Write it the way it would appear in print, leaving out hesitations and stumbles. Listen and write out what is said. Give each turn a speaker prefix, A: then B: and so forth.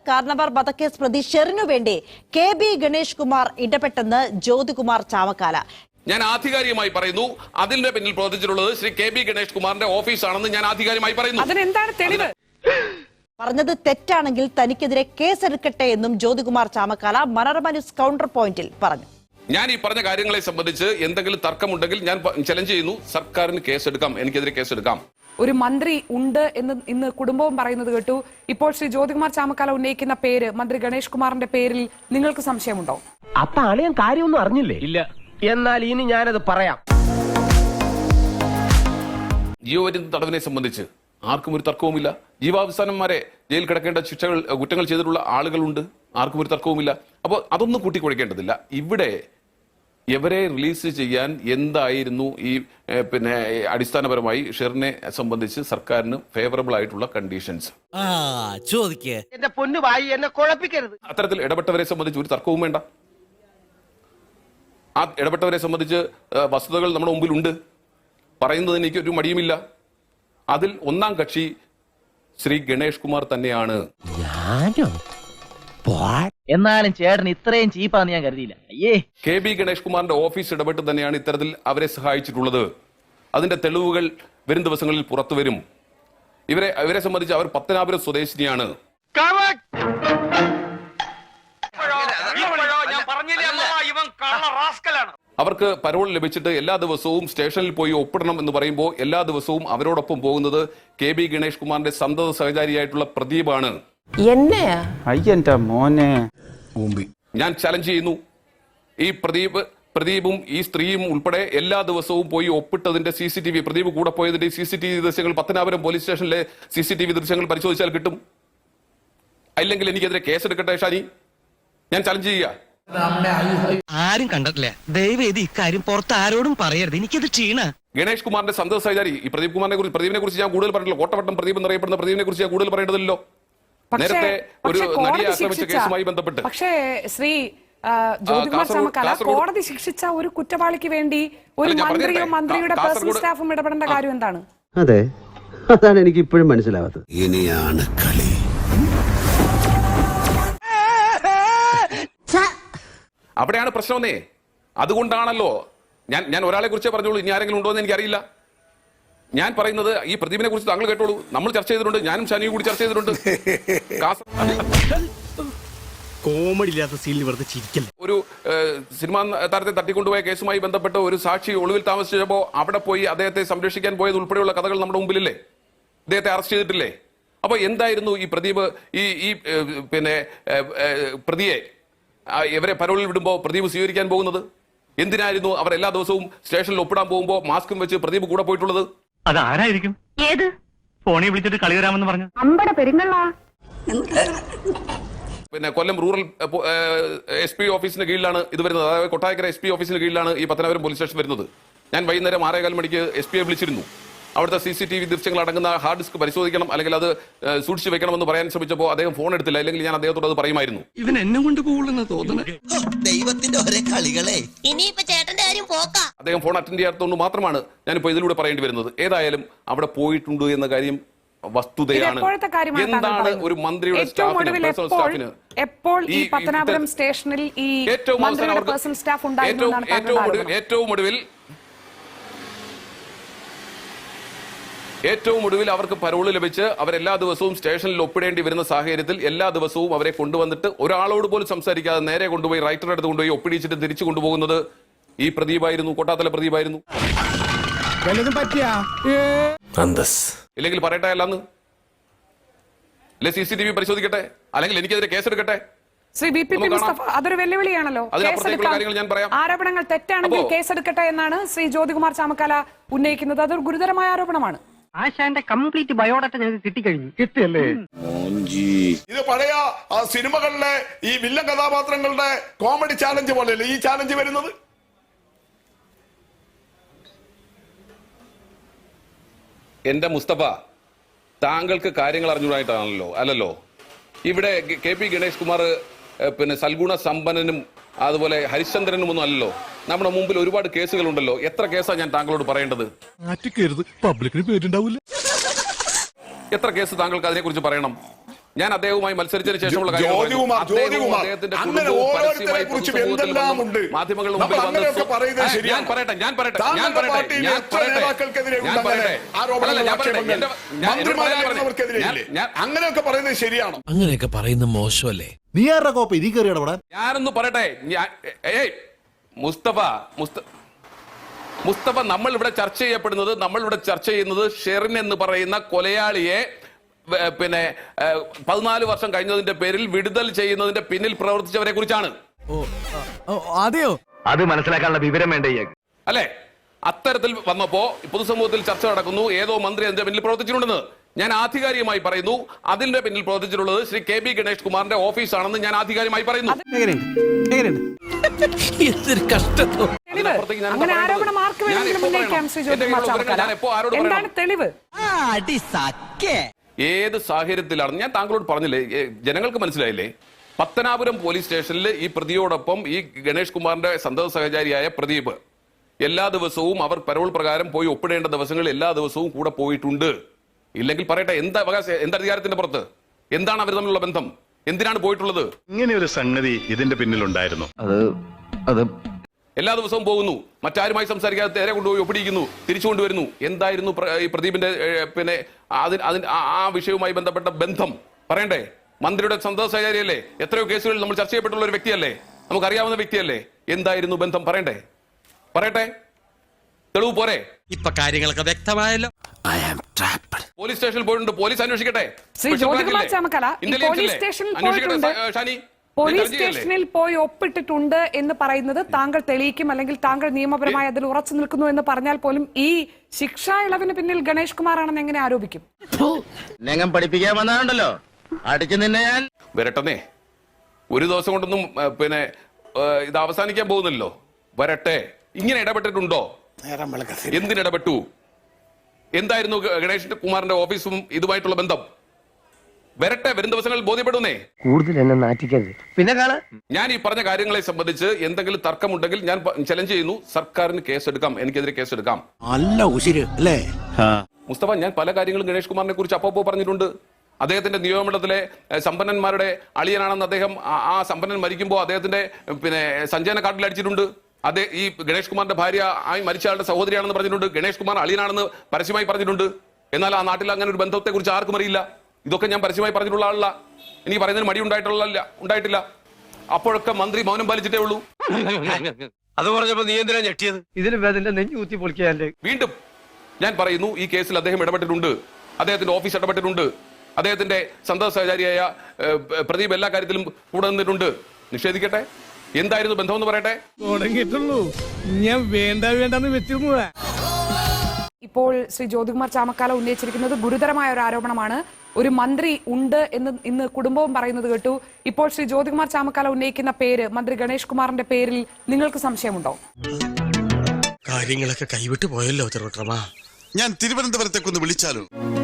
A: കാർണവർ വധക്കേസ് പ്രതി ഷെറിനു വേണ്ടി KB ഗണേഷ് കുമാർ ഇടപെട്ടെന്ന് ജ്യോതികുമാർ ചാമക്കാല.
B: ഞാൻ ആധികാരികമായി പറയുന്നു, അതിന്റെ പിന്നിൽ പ്രവർത്തിച്ചിട്ടുള്ളത് ശ്രീ KB ഗണേഷ് കുമാറിന്റെ ഓഫീസാണെന്ന് ഞാൻ ആധികാരികമായി പറയുന്നു.
C: അതിനെന്താണ് തെളിവ്?
A: പറഞ്ഞത് തെറ്റാണെങ്കിൽ തനിക്കെതിരെ കേസെടുക്കട്ടെ എന്നും ജ്യോതികുമാർ ചാമക്കാല മനോരമ ന്യൂസ് കൗണ്ടർ പോയിന്റിൽ പറഞ്ഞു.
B: ഞാൻ ഈ പറഞ്ഞ കാര്യങ്ങളെ സംബന്ധിച്ച് എന്തെങ്കിലും തർക്കമുണ്ടെങ്കിൽ ഞാൻ ചലഞ്ച് ചെയ്യുന്നു, സർക്കാരിന് കേസെടുക്കാം, എനിക്കെതിരെ കേസെടുക്കാം.
C: ഒരു മന്ത്രി ഉണ്ട് എന്ന് ഇന്ന് കുടുംബവും പറയുന്നത് കേട്ടു. ഇപ്പോൾ ശ്രീ ജ്യോതികുമാർ ചാമക്കാല ഉന്നയിക്കുന്ന പേര് മന്ത്രി ഗണേഷ് കുമാറിന്റെ പേരിൽ നിങ്ങൾക്ക് സംശയമുണ്ടോ?
D: അപ്പൊ ആളിയാൻ കാര്യമൊന്നും അറിഞ്ഞില്ലേ? ഇല്ല. എന്നാൽ ഇനി ഞാനത് പറയാം.
B: ജീവപര്യന്ത തടവിനെ സംബന്ധിച്ച് ആർക്കും ഒരു തർക്കവുമില്ല. ജീവാവസാനം വരെ ജയിൽ കിടക്കേണ്ട കുറ്റങ്ങൾ ചെയ്തിട്ടുള്ള ആളുകളുണ്ട്, ആർക്കും ഒരു തർക്കവുമില്ല. അപ്പോൾ അതൊന്നും കൂട്ടിക്കുഴക്കേണ്ടതില്ല. ഇവിടെ ഇവരെ റിലീസ് ചെയ്യാൻ എന്തായിരുന്നു ഈ അടിസ്ഥാനപരമായി ഷെറിനെ സംബന്ധിച്ച് സർക്കാരിന് ഫേവറബിൾ ആയിട്ടുള്ള കണ്ടീഷൻസ്?
D: എന്റെ പൊന്നു വായി എന്നെ കുഴപ്പിക്കരുത്.
B: അത്തരത്തിൽ ഇടപെട്ടവരെ സംബന്ധിച്ച് ഒരു തർക്കവും വേണ്ട. ആ ഇടപെട്ടവരെ സംബന്ധിച്ച് വസ്തുതകൾ നമ്മുടെ മുമ്പിലുണ്ട്, പറയുന്നതിന് എനിക്ക് ഒരു മടിയുമില്ല. അതിൽ ഒന്നാം കക്ഷി ശ്രീ ഗണേഷ് കുമാർ തന്നെയാണ്.
E: എന്നാലും ചേട്ടൻ ഇത്രയും ചീപ്പാന്ന് ഞാൻ കരുതിയില്ല.
B: KB ഗണേഷ് കുമാറിന്റെ ഓഫീസ് ഇടപെട്ട് തന്നെയാണ് ഇത്തരത്തിൽ അവരെ സഹായിച്ചിട്ടുള്ളത്. അതിന്റെ തെളിവുകൾ വരും ദിവസങ്ങളിൽ പുറത്തു വരും. ഇവരെ സംബന്ധിച്ച് അവർ പത്തനാപുരം സ്വദേശിനിയാണ്. അവർക്ക് പരോൾ ലഭിച്ചിട്ട് എല്ലാ ദിവസവും സ്റ്റേഷനിൽ പോയി ഒപ്പിടണം എന്ന് പറയുമ്പോൾ എല്ലാ ദിവസവും അവരോടൊപ്പം പോകുന്നത് KB ഗണേഷ് കുമാറിന്റെ സന്തത സഹചാരിയായിട്ടുള്ള പ്രദീപാണ്. ഞാൻ ചലഞ്ച് ചെയ്യുന്നു, ഈ പ്രദീപും ഈ സ്ത്രീയും ഉൾപ്പെടെ എല്ലാ ദിവസവും പോയി ഒപ്പിട്ടതിന്റെ CCTV, പ്രദീപ് കൂടെ പോയതിന്റെ CCTV ദൃശ്യങ്ങൾ പത്തനാപുരം പോലീസ് സ്റ്റേഷനിലെ CCTV ദൃശ്യങ്ങൾ പരിശോധിച്ചാൽ കിട്ടും. അല്ലെങ്കിൽ എനിക്കെതിരെ കേസെടുക്കട്ടെ ഷാനി, ഞാൻ ചലഞ്ച് ചെയ്യുക.
F: ആരും കണ്ടിട്ടില്ല, ദയവേദി ഇക്കാര്യം പുറത്ത് ആരോടും പറയരുത്, എനിക്കത് ക്ഷീണ.
B: ഗണേഷ് കുമാറിന്റെ സന്തത സഹചാരി ഈ പ്രദീപിനെ കുറിച്ച് ഞാൻ കൂടുതൽ പറഞ്ഞില്ല. കോട്ടവട്ടം പ്രദീപ് എന്നറിയപ്പെടുന്ന പ്രദീപിനെ കുറിച്ച് ഞാൻ കൂടുതൽ പറയേണ്ടതില്ലല്ലോ. നേരത്തെ ഒരു നടിയെ ആക്രമിച്ച കേസുമായി ബന്ധപ്പെട്ട്
C: പക്ഷേ ശ്രീ ജ്യോതികുമാർ ചാമക്കാല കോടതി ശിക്ഷിച്ച ഒരു കുറ്റവാളിക്ക് വേണ്ടി ഒരു മന്ത്രിയോ മന്ത്രിയുടെ പേഴ്സണൽ സ്റ്റാഫും ഇടപെടേണ്ട കാര്യം എന്താണ്?
G: അതെ, അതാണ് എനിക്ക് ഇപ്പോഴും മനസ്സിലാവാത്തത്.
H: ഇനിയാണ് കളി.
B: അവിടെയാണ് പ്രശ്നമെന്നേ. അതുകൊണ്ടാണല്ലോ ഞാൻ ഒരാളെ കുറിച്ചേ പറഞ്ഞോളൂ, ഇനി ആരെങ്കിലും ഉണ്ടോ എന്ന് എനിക്കറിയില്ല. ഞാൻ പറയുന്നത് ഈ പ്രദീപിനെ കുറിച്ച് താങ്കൾ കേട്ടോളൂ. നമ്മൾ ചർച്ച ചെയ്തിട്ടുണ്ട്, ഞാനും ഷാനിയും കൂടി ചർച്ച ചെയ്തിട്ടുണ്ട്.
F: കോമഡി ഇല്ലാത്ത സീനിൽ വെറുതെ ചിരിക്കല്ല.
B: ഒരു സിനിമാ താരത്തെ തട്ടിക്കൊണ്ടുപോയ കേസുമായി ബന്ധപ്പെട്ട് ഒരു സാക്ഷി ഒളിവിൽ താമസിച്ചപ്പോൾ അവിടെ പോയി അദ്ദേഹത്തെ സംരക്ഷിക്കാൻ പോയത് ഉൾപ്പെടെയുള്ള കഥകൾ നമ്മുടെ മുമ്പിലില്ലേ? അദ്ദേഹത്തെ അറസ്റ്റ് ചെയ്തിട്ടില്ലേ? അപ്പൊ എന്തായിരുന്നു ഈ പ്രദീപ് ഈ പ്രതിയെ ഇവരെ പരോളിൽ വിടുമ്പോൾ പ്രദീപ് സ്വീകരിക്കാൻ പോകുന്നത്? എന്തിനായിരുന്നു അവർ എല്ലാ ദിവസവും സ്റ്റേഷനിൽ ഒപ്പിടാൻ പോകുമ്പോൾ മാസ്കും വെച്ച് പ്രദീപ് കൂടെ പോയിട്ടുള്ളത്?
F: അതാരായിരിക്കും? ഏത് ഫോണിൽ വിളിച്ചിട്ട് കളി വരാമെന്ന് പറഞ്ഞു?
B: കൊല്ലം റൂറൽ SP ഓഫീസിന് കീഴിലാണ് ഇത് വരുന്നത്. അതായത് കൊട്ടാരക്കര SP ഓഫീസിന് കീഴിലാണ് ഈ പത്തനാപുരം പോലീസ് സ്റ്റേഷൻ വരുന്നത്. ഞാൻ വൈകുന്നേരം 6:15 മണിക്ക് SP വിളിച്ചിരുന്നു. അവിടുത്തെ CCTV ദൃശ്യങ്ങൾ അടങ്ങുന്ന ഹാർഡ് ഡിസ്ക് പരിശോധിക്കണം, അല്ലെങ്കിൽ അത് സൂക്ഷിച്ചു വെക്കണമെന്ന് പറയാൻ ശ്രമിച്ചപ്പോൾ അദ്ദേഹം ഫോൺ എടുത്തില്ല. അല്ലെങ്കിൽ ഞാൻ അദ്ദേഹത്തോട് അത് പറയുമായിരുന്നു.
F: ഇവൻ എന്നെ കൊണ്ട് പോകുള്ളെന്ന് തോന്നുന്നു.
H: ദൈവത്തിന്റെ ഒരേ കളികളെ.
B: അദ്ദേഹം ഫോൺ അറ്റൻഡ് ചെയ്യാത്തതുകൊണ്ട് മാത്രമാണ് ഞാനിപ്പോൾ ഇതിലൂടെ പറയേണ്ടി വരുന്നത്. ഏതായാലും അവിടെ പോയിട്ടുണ്ട് എന്ന കാര്യം വസ്തുതയാണ്. എന്താണ് ഒരു മന്ത്രിയുടെ സ്റ്റാഫിന്
C: എപ്പോൾ ഈ പത്തനാപുരം സ്റ്റേഷനിൽ ഈ മന്ത്രിയുടെ പേഴ്സണൽ സ്റ്റാഫ് ഉണ്ടായിരുന്നു?
B: ഏറ്റവും ഒടുവിൽ അവർക്ക് പരോള് ലഭിച്ച് അവരെല്ലാ ദിവസവും സ്റ്റേഷനിൽ ഒപ്പിടേണ്ടി വരുന്ന സാഹചര്യത്തിൽ എല്ലാ ദിവസവും അവരെ കൊണ്ടുവന്നിട്ട് ഒരാളോട് പോലും സംസാരിക്കാതെ നേരെ കൊണ്ടുപോയി റൈറ്ററുടെ അടുത്ത് കൊണ്ടുപോയി ഒപ്പിടിച്ചിട്ട് തിരിച്ചു കൊണ്ടുപോകുന്നത് ഈ പ്രദീപായിരുന്നു, കോട്ടാത്തല പ്രദീപായിരുന്നു. ഇല്ലെങ്കിൽ പറയട്ടെ, അല്ലാന്ന് അല്ലെ CCTV പരിശോധിക്കട്ടെ, അല്ലെങ്കിൽ എനിക്കെതിരെ കേസെടുക്കട്ടെ.
C: ശ്രീ BP മുസ്തഫ, അതൊരു വെല്ലുവിളിയാണല്ലോ. ആരോപണങ്ങൾ തെറ്റാണെങ്കിൽ കേസെടുക്കട്ടെ എന്നാണ് ശ്രീ ജ്യോതികുമാർ ചാമക്കാല ഉന്നയിക്കുന്നത്. അതൊരു ഗുരുതരമായ ആരോപണമാണ്.
D: ആശാന്റെ കംപ്ലീറ്റ് ബയോഡാറ്റ ഞങ്ങൾക്ക് കിട്ടിക്കഴിഞ്ഞു. കിട്ടിയല്ലേ?
I: ഇത് പഴയ സിനിമകളിലെ ഈ വില്ലൻ കഥാപാത്രങ്ങളുടെ കോമഡി ചാലഞ്ച് പോലെയല്ലേ ഈ ചാലഞ്ച് വരുന്നത്?
B: എന്റെ മുസ്തഫ, താങ്കൾക്ക് കാര്യങ്ങൾ അറിഞ്ഞുകൂടായിട്ടാണല്ലോ അല്ലല്ലോ. ഇവിടെ KB ഗണേഷ് കുമാർ സൽഗുണ സമ്പന്നനും അതുപോലെ ഹരിശ്ചന്ദ്രനും ഒന്നും അല്ലല്ലോ. നമ്മുടെ മുമ്പിൽ ഒരുപാട് കേസുകളുണ്ടല്ലോ. എത്ര കേസാണ് ഞാൻ താങ്കളോട് പറയേണ്ടത്?
I: പബ്ലിക്കിന് പേരുണ്ടാവില്ല.
B: എത്ര കേസ് താങ്കൾക്ക് അതിനെക്കുറിച്ച് പറയണം? ഞാൻ അദ്ദേഹവുമായി മത്സരിച്ചതിന് ശേഷമുള്ള കാര്യങ്ങൾ
I: ജ്യോതികുമാർ,
B: പറയുന്നു. അദ്ദേഹവും
I: ജ്യോതികുമാർ,
B: അദ്ദേഹത്തിന്റെ
I: അങ്ങനെ
B: കുടുംബവും
I: ഓരോരുത്തരെ
B: പരസ്യമായി
I: കുറിച്ചും
B: പൊതുസമൂഹത്തിൽ
I: എന്തെല്ലാം
B: വന്ന്
I: ഉണ്ട്.
B: മാധ്യമങ്ങളുടെ
I: നമ്മൾ
B: മുമ്പിൽ
I: അങ്ങനെയൊക്കെ
B: വന്ന്
I: പറയുന്നത്
B: ഞാൻ
I: ശരിയാണ്.
B: പറയട്ടെ
I: താങ്കളുടെ പാർട്ടിയിലെ എത്ര നേതാക്കൾക്കെതിരെ ഉണ്ട് അങ്ങനെ ആരോപണങ്ങൾ, ആക്ഷേപങ്ങൾ? മന്ത്രിമാരായിരുന്നവർക്കെതിരെ ഇല്ലേ? അങ്ങനെയൊക്കെ പറയുന്നത് ശരിയാണോ?
H: അങ്ങനെയൊക്കെ പറയുന്ന മോശമല്ലേ?
G: നീ ആരുടെ കോപ്പ ഇതി കയറി ഇടപെടാൻ?
B: ഞാനൊന്ന് പറയട്ടെ. മുസ്തഫ നമ്മൾ ഇവിടെ ചർച്ച ചെയ്യുന്നത് ഷെറിൻ എന്ന് പറയുന്ന കൊലയാളിയെ പിന്നെ 14 വർഷം കഴിഞ്ഞതിന്റെ പേരിൽ വിടുതൽ ചെയ്യുന്നതിന്റെ പിന്നിൽ പ്രവർത്തിച്ചവരെ കുറിച്ചാണ്.
D: അതെയോ?
E: അത് മനസ്സിലാക്കാനുള്ള വിവരം വേണ്ട
B: അല്ലെ? അത്തരത്തിൽ വന്നപ്പോ പൊതുസമൂഹത്തിൽ ചർച്ച നടക്കുന്നു, ഏതോ മന്ത്രി അതിന്റെ പിന്നിൽ പ്രവർത്തിച്ചിട്ടുണ്ടെന്ന്. ഞാൻ ആധികാരികമായി പറയുന്നു, അതിന്റെ പിന്നിൽ പ്രവർത്തിച്ചിട്ടുള്ളത് ശ്രീ KB ഗണേഷ് കുമാറിന്റെ ഓഫീസാണെന്ന് ഞാൻ ആധികാരികമായി പറയുന്നു.
C: അങ്ങനെ ആരോപണം ആർക്ക് വേണമെങ്കിലും ഉന്നയിക്കാം ശ്രീ ജ്യോതികുമാർ ചാമക്കാല. എന്താണ് തെളിവ്?
B: ഏത് സാഹചര്യത്തിലാണ് ഞാൻ താങ്കളോട് പറഞ്ഞില്ലേ, ജനങ്ങൾക്ക് മനസ്സിലായില്ലേ? പത്തനാപുരം പോലീസ് സ്റ്റേഷനിൽ ഈ പ്രതിയോടൊപ്പം ഈ ഗണേഷ് കുമാറിന്റെ സന്തത സഹചാരിയായ പ്രദീപ് എല്ലാ ദിവസവും അവർ പരോൾ പ്രകാരം പോയി ഒപ്പിടേണ്ട ദിവസങ്ങളിൽ എല്ലാ ദിവസവും കൂടെ പോയിട്ടുണ്ട്. ഇല്ലെങ്കിൽ പറയട്ടെ, എന്താ അവകാശം, എന്താ അധികാരത്തിന്റെ പുറത്ത്, എന്താണ് അവർ തമ്മിലുള്ള ബന്ധം, എന്തിനാണ് പോയിട്ടുള്ളത്?
J: ഇങ്ങനെ ഒരു സംഗതി ഇതിന്റെ പിന്നിലുണ്ടായിരുന്നു.
E: അത്
B: എല്ലാ ദിവസവും പോകുന്നു, മറ്റാരുമായി സംസാരിക്കാതെ നേരെ കൊണ്ടുപോയി ഒപ്പിടിക്കുന്നു, തിരിച്ചു കൊണ്ടുവരുന്നു. എന്തായിരുന്നു ഈ പ്രദീപിന്റെ പിന്നെ ആ വിഷയവുമായി ബന്ധപ്പെട്ട ബന്ധം പറയണ്ടേ? മന്ത്രിയുടെ സന്തത സഹചാരിയല്ലേ, എത്രയോ കേസുകളിൽ നമ്മൾ ചർച്ച ചെയ്യപ്പെട്ടുള്ള ഒരു വ്യക്തിയല്ലേ, നമുക്കറിയാവുന്ന വ്യക്തിയല്ലേ. എന്തായിരുന്നു ബന്ധം പറയട്ടെ, തെളിവ് പോരെ?
F: ഇപ്പൊ കാര്യങ്ങളൊക്കെ വ്യക്തമായല്ലോ.
B: പോലീസ് സ്റ്റേഷനിൽ പോയിട്ടുണ്ട്, പോലീസ് അന്വേഷിക്കട്ടെ.
C: ശ്രീ ജ്യോതികുമാർ ചാമക്കാല, ഈ പോലീസ് സ്റ്റേഷനിൽ പോയിട്ടുണ്ട്, പോലീസ് സ്റ്റേഷനിൽ പോയി ഒപ്പിട്ടിട്ടുണ്ട് എന്ന് പറയുന്നത് താങ്കൾ തെളിയിക്കും, അല്ലെങ്കിൽ താങ്കൾ നിയമപരമായി അതിൽ ഉറച്ചു നിൽക്കുന്നു എന്ന് പറഞ്ഞാൽ പോലും ഈ ശിക്ഷാ ഇളവിന് പിന്നിൽ ഗണേഷ് കുമാർ ആണെന്ന് എങ്ങനെ ആരോപിക്കും?
E: നെങ്ങം പഠിപ്പിക്കാൻ വന്നാണ്ടല്ലോ അടിച്ചു നിന്നെ ഞാൻ
B: വരട്ടെ. ഒരു ദിവസം കൊണ്ടൊന്നും പിന്നെ ഇത് അവസാനിക്കാൻ പോകുന്നില്ലല്ലോ. വരട്ടെ. ഇങ്ങനെ ഇടപെട്ടിട്ടുണ്ടോ? എന്തിനിടപെട്ടു? എന്തായിരുന്നു ഗണേഷ് കുമാറിന്റെ ഓഫീസും ഇതുമായിട്ടുള്ള ബന്ധം? വരട്ടെ, വരും ദിവസങ്ങളിൽ ബോധ്യപ്പെടുന്നേ.
D: കൂടുതൽ എന്നെ നാറ്റിക്കരുത്. പിന്നെ കാണാ
B: ഞാൻ ഈ പറഞ്ഞ കാര്യങ്ങളെ സംബന്ധിച്ച് എന്തെങ്കിലും തർക്കമുണ്ടെങ്കിൽ ഞാൻ ചലഞ്ച് ചെയ്യുന്നു, സർക്കാരിന് കേസെടുക്കാം, എനിക്കെതിരെ കേസെടുക്കാം.
H: അല്ല ഉശിര് അല്ലേ?
B: മുസ്തഫ, ഞാൻ പല കാര്യങ്ങളും ഗണേഷ് കുമാറിനെ കുറിച്ച് അപ്പോ പറഞ്ഞിട്ടുണ്ട്. അദ്ദേഹത്തിന്റെ നിയമമണ്ഡലത്തിലെ സമ്പന്നന്മാരുടെ അളിയനാണെന്ന് അദ്ദേഹം ആ സമ്പന്നൻ മരിക്കുമ്പോൾ അദ്ദേഹത്തിന്റെ പിന്നെ സഞ്ചയന കാർഡിൽ അടിച്ചിട്ടുണ്ട്. ഈ ഗണേഷ് കുമാറിന്റെ ഭാര്യ മരിച്ചയാളുടെ സഹോദരിയാണെന്ന് പറഞ്ഞിട്ടുണ്ട്. ഗണേഷ് കുമാർ അളിയനാണെന്ന് പരസ്യമായി പറഞ്ഞിട്ടുണ്ട്. എന്നാൽ ആ നാട്ടിൽ അങ്ങനെ ഒരു ബന്ധത്തെ കുറിച്ച് ആർക്കും അറിയില്ല. ഇതൊക്കെ ഞാൻ പരസ്യമായി പറഞ്ഞിട്ടുള്ള ആളല്ല. എനിക്ക് പറയുന്നതിന് മടി ഉണ്ടായിട്ടില്ല. അപ്പോഴൊക്കെ മന്ത്രി മൗനം പാലിച്ചിട്ടേ ഉള്ളൂ.
F: അത് പറഞ്ഞപ്പോ നീ എന്തിനാ ഞെട്ടിയത്?
D: ഇതിന് വേദന നെഞ്ഞു കുത്തി പൊളിക്കാൻ.
B: വീണ്ടും ഞാൻ പറയുന്നു, ഈ കേസിൽ അദ്ദേഹം ഇടപെട്ടിട്ടുണ്ട്, അദ്ദേഹത്തിന്റെ ഓഫീസ് ഇടപെട്ടിട്ടുണ്ട്, അദ്ദേഹത്തിന്റെ സന്തത സഹചാരിയായ പ്രദീപ് എല്ലാ കാര്യത്തിലും കൂടെ നിന്നിട്ടുണ്ട്. നിഷേധിക്കട്ടെ, എന്തായിരുന്നു ബന്ധമെന്ന് പറയട്ടെ.
D: തുടങ്ങിയിട്ടുള്ളൂ, ഞാൻ വേണ്ടെന്ന് വെച്ചിരുന്നതാ.
C: ഇപ്പോൾ ശ്രീ ജ്യോതികുമാർ ചാമക്കാല ഉന്നയിച്ചിരിക്കുന്നത് ഗുരുതരമായ ഒരു ആരോപണമാണ്. ഒരു മന്ത്രി ഉണ്ട് എന്ന് ഇന്ന് കുടുംബവും പറയുന്നത് കേട്ടു. ഇപ്പോൾ ശ്രീ ജ്യോതികുമാർ ചാമക്കാല ഉന്നയിക്കുന്ന പേര്, മന്ത്രി ഗണേഷ് കുമാറിന്റെ പേരിൽ നിങ്ങൾക്ക് സംശയമുണ്ടോ?
F: കാര്യങ്ങളൊക്കെ കൈവിട്ടു പോയല്ലോ തിരുവട്ടമാ.
H: ഞാൻ തിരുവനന്തപുരത്തേക്കൊന്ന് വിളിച്ചാലോ?